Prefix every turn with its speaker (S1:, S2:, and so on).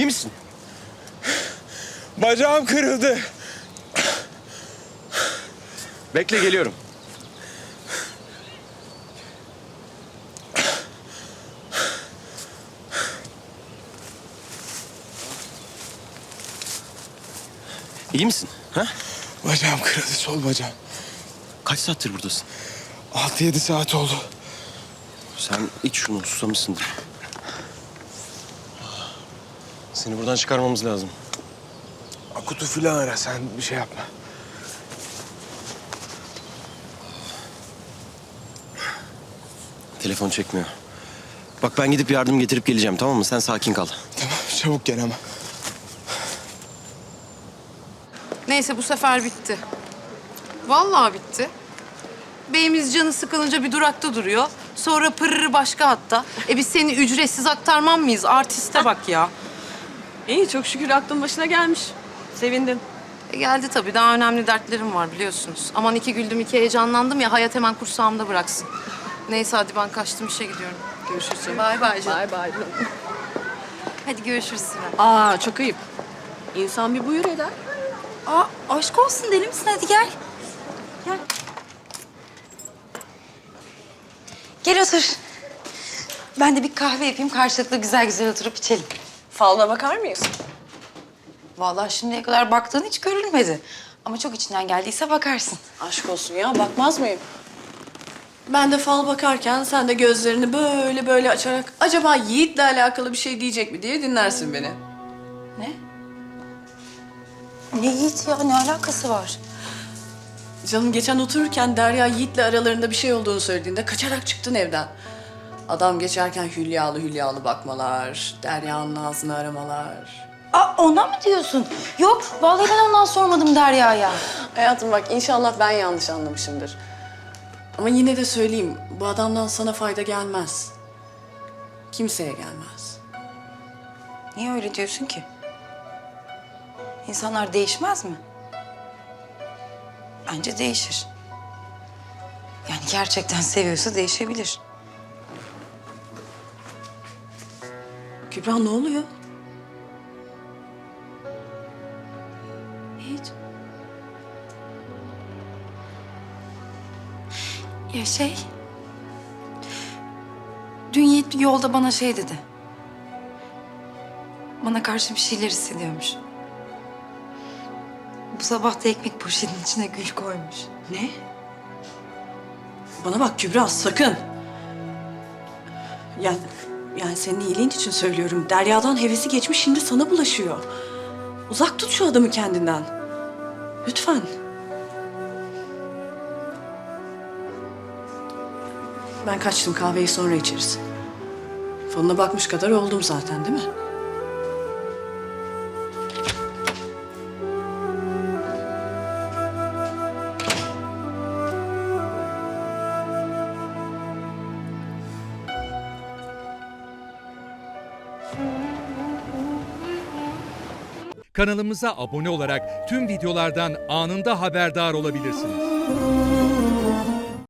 S1: İyi misin?
S2: Bacağım kırıldı.
S1: Bekle, geliyorum. İyi misin? Ha?
S2: Bacağım kırıldı, sol bacağım.
S1: Kaç saattir buradasın?
S2: 6-7 saat oldu.
S1: Sen iç şunu, susamışsındır. Seni buradan çıkarmamız lazım.
S2: Akut'u filan ara, sen bir şey yapma.
S1: Telefon çekmiyor. Bak ben gidip yardım getirip geleceğim, tamam mı? Sen sakin kal.
S2: Tamam, çabuk gel ama.
S3: Neyse bu sefer bitti. Vallahi bitti. Beyimiz canı sıkılınca bir durakta duruyor. Sonra pırırı başka hatta. Biz seni ücretsiz aktarmam mıyız? Artiste bak ya.
S4: İyi, çok şükür aklın başına gelmiş. Sevindim.
S3: Geldi tabii. Daha önemli dertlerim var biliyorsunuz. Aman iki güldüm, iki heyecanlandım ya. Hayat hemen kursağımda bıraksın. Neyse hadi ben kaçtım, işe gidiyorum.
S4: Görüşürüz canım.
S3: Bay bay canım.
S4: Bay bay.
S3: Hadi görüşürüz Sibel.
S4: Aa, çok ayıp. İnsan bir buyur eder.
S5: Aa, aşk olsun, deli misin? Hadi gel. Gel. Gel otur. Ben de bir kahve yapayım, karşılıklı güzel güzel oturup içelim.
S4: Falına bakar mıyız?
S5: Vallahi şimdiye kadar baktığın hiç görülmedi. Ama çok içinden geldiyse bakarsın.
S4: Aşk olsun ya, bakmaz mıyım? Ben de fal bakarken sen de gözlerini böyle böyle açarak acaba Yiğit'le alakalı bir şey diyecek mi diye dinlersin beni.
S5: Ne? Ne Yiğit ya? Ne alakası var?
S4: Canım geçen otururken Derya Yiğit'le aralarında bir şey olduğunu söylediğinde kaçarak çıktın evden. Adam geçerken hülyalı hülyalı bakmalar, Derya'nın ağzını aramalar.
S5: Aa, ona mı diyorsun? Yok, vallahi ben ondan sormadım Derya'ya.
S4: Hayatım bak inşallah ben yanlış anlamışımdır. Ama yine de söyleyeyim, bu adamdan sana fayda gelmez. Kimseye gelmez.
S5: Niye öyle diyorsun ki? İnsanlar değişmez mi? Bence değişir. Yani gerçekten seviyorsa değişebilir.
S4: Kübra ne oluyor?
S5: Hiç. Ya şey... Dün Yiğit yolda bana şey dedi. Bana karşı bir şeyler hissediyormuş. Bu sabah da ekmek poşetinin içine gül koymuş.
S4: Ne? Bana bak Kübra sakın. Yani senin iyiliğin için söylüyorum. Derya'dan hevesi geçmiş şimdi sana bulaşıyor. Uzak tut şu adamı kendinden. Lütfen. Ben kaçtım, kahveyi sonra içeriz. Falına bakmış kadar oldum zaten değil mi?
S6: Kanalımıza abone olarak tüm videolardan anında haberdar olabilirsiniz.